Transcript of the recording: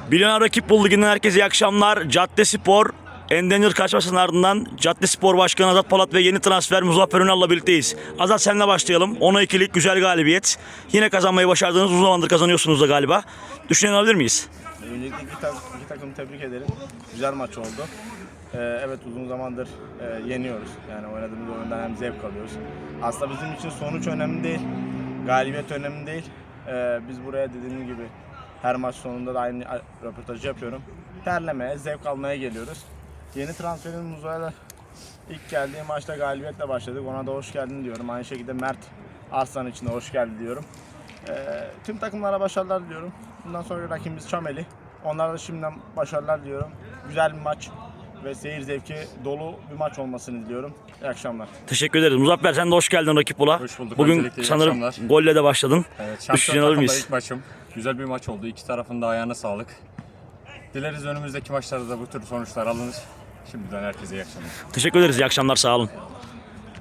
Milyoner Rakip Bul Ligi'nden herkese iyi akşamlar. Caddespor, Endenir kaçmasının ardından Caddespor Başkanı Azat Polat ve yeni transfer Muzaffer Ünal'la birlikteyiz. Azat, seninle başlayalım. 10'a 2'lik güzel galibiyet. Yine kazanmayı başardınız. Uzun zamandır kazanıyorsunuz da galiba. Düşünen alabilir miyiz? Öncelikle iki takımı tebrik ederim. Güzel maç oldu. Evet, uzun zamandır yeniyoruz. Yani oynadığımız oyundan hem zevk alıyoruz. Aslında bizim için sonuç önemli değil. Galibiyet önemli değil. Biz buraya dediğim gibi her maç sonunda da aynı röportajı yapıyorum. Terlemeye, zevk almaya geliyoruz. Yeni transferimiz Muzaffer ilk geldiği maçta galibiyetle başladık. Ona da hoş geldin diyorum. Aynı şekilde Mert Arslan için de hoş geldi diyorum. Tüm takımlara başarılar diliyorum. Bundan sonra rakibimiz Çameli. Onlara da şimdiden başarılar diliyorum. Güzel bir maç ve seyir zevki dolu bir maç olmasını diliyorum. İyi akşamlar. Teşekkür ederiz. Muzaffer, sen de hoş geldin Rakip Bul'a. Hoş bulduk. Bugün Öncelikle iyi sanırım akşamlar. golle de başladın. Evet, Düşünen şampiyon alır takımda mıyız? ilk maçım. Güzel bir maç oldu. İki tarafın da ayağına sağlık. Dileriz önümüzdeki maçlarda da bu tür sonuçlar alınır. Şimdiden herkese iyi akşamlar. Teşekkür ederiz. İyi akşamlar. Sağ olun.